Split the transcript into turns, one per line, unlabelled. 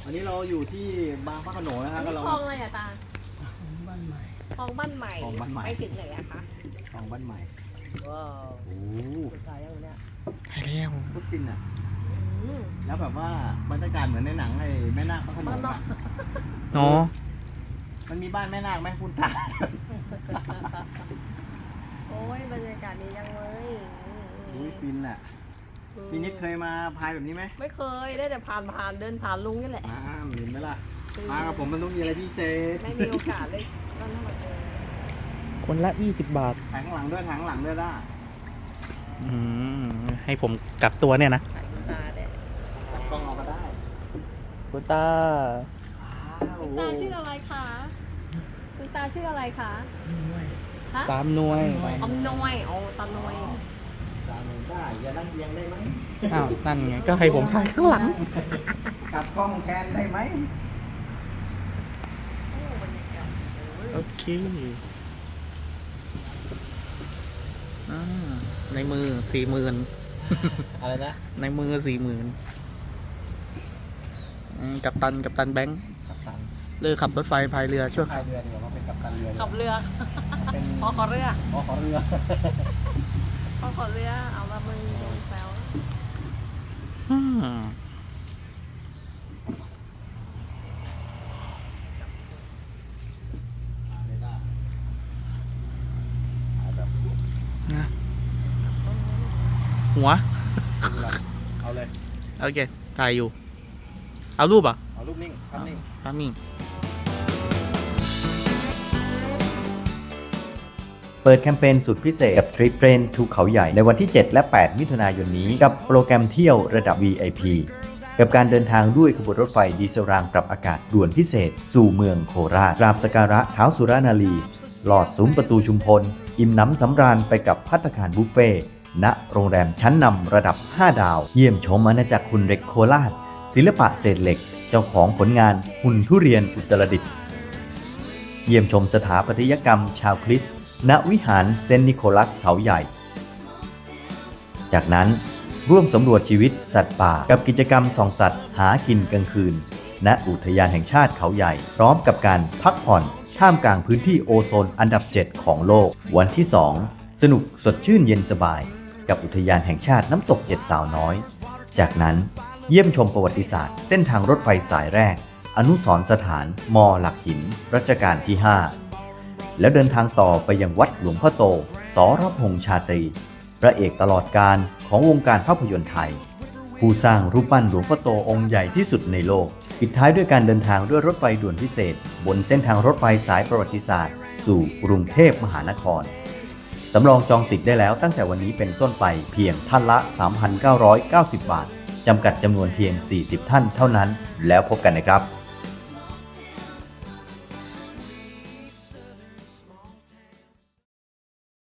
วันนี้เราอยู่ที่บางพระโขนงนะครับ
นี่
ก็เรา
คลองอะไรอะตา
บ้านใหม่
คลองบ้านใหม่
คลองบ้านใหม่
ไปถึงไหนอะคะ
คลองบ้านใหม่
ว้าว
โอ้
สุดท้ายยังเนี่ย
ไปแล้ว
พุทธินอ่ะ
อืม
แล้วแบบว่าบรรยากาศเหมือนในหนังไอ้แม่นาคพระโขนง
บ้านนอ
อ่ะ
ก
เนาะ
มันมีบ้านแม่นาคไหมคุณตา
โอ้ยบรรยากาศดีจังเลย
อุ้ยฟินอ่ะพี่นิดเคยมาพายแบบนี้ไหม
ไม่เคยได้แต่ผ่านเดินผ่านลุงนี่แหละ
เห็นไหมล่ะมากับผมมันต้องมีอะไรพิเศษ
ไม่มีโอกาสเลยต้องมาเจอ
คนละ20 บาท
ถ่ายข้างหลังด้วยถ่ายข้างหลังด้วยล่ะ
อืมให้ผมกลับตัวเนี่ยนะ
สายคุณตาเนี่ย
จับกล้องเอาก็ได้
คุณตา
คุณตาชื่ออะไรคะคุณตาชื่ออะไรคะฮะ
ตามหน่วย
อมนวยโอ้ตาหนวย
จานหนึ่งได้อย่านั่งเอียงได้ไหม
อ้าวนั่นไงก็ให้ผมถ่ายข้างหลัง
กลับกล้องแทนได้ไหม
โอ้บรรยากาศโอ้ย
โอเคอ่าในมือ40,000
อะไรนะ
ในมือ40,000กัปตันแบงค์
กัปตัน
เลิกขับรถไฟพายเรือช่วย
พายเรือดีกว่ามาเป็นกัปตันเรือดีก
ขั
ว่า
บเรือ
เป็น
พอขอเรือ
ขอเรือ
พอขอเรือเอาละมึงโดนแซว
อืม นะหัว
เอาเลย
โอเค ถ่ายอยู่ เอารูปอ่ะ
เอารูปนิ่งภาพนิ่ง
ภาพนิ่ง
เปิดแคมเปญสุดพิเศษกับทริปเทรนทูเขาใหญ่ในวันที่ 7 และ 8 มิถุนายนนี้กับโปรแกรมเที่ยวระดับ VIP กับการเดินทางด้วยขบวนรถไฟดีเซลรางปรับอากาศด่วนพิเศษ สู่เมืองโคราชกราบสักการะท้าวสุรานารีลอดซุ้มประตูชุมพล อิ่มหนำสำราญไปกับภัตตาคารบุฟเฟ่ต์ณโรงแรมชั้นนำระดับ 5 ดาว เยี่ยมชมอาณาจักรหุ่นเหล็กโคราช ศิลปะเศษเหล็ก เจ้าของผลงานหุ่นทุเรียนอุตรดิตถ์เยี่ยมชมสถาปัตยกรรมชาวคริสต์ณวิหารเซนต์นิโคลัสเขาใหญ่ จากนั้นร่วมสำรวจชีวิตสัตว์ป่ากับกิจกรรมส่องสัตว์หากินกลางคืน ณอุทยานแห่งชาติเขาใหญ่ พร้อมกับการพักผ่อนท่ามกลางพื้นที่โอโซนอันดับ 7 ของโลก วันที่ 2 สนุกสดชื่นเย็นสบาย กับอุทยานแห่งชาติน้ำตกเจ็ดสาวน้อย จากนั้นเยี่ยมชมประวัติศาสตร์เส้นทางรถไฟสายแรก อนุสรณ์สถานมอหลักหินรัชกาลที่ 5 แล้วเดินทางต่อไปยังวัดหลวงพ่อโต สรพงษ์ชาตรี พระเอกตลอดกาลของวงการภาพยนตร์ไทย ผู้สร้างรูปปั้นหลวงพ่อโตองค์ใหญ่ที่สุดในโลก ปิดท้ายด้วยการเดินทางด้วยรถไฟด่วนพิเศษ บนเส้นทางรถไฟสายประวัติศาสตร์ สู่กรุงเทพมหานคร สำรองจองสิทธิ์ได้แล้วตั้งแต่วันนี้เป็นต้นไปเพียงท่านละ 3,990 บาท จำกัดจำนวนเพียง 40 ท่านเท่านั้น แล้วพบกันนะครับ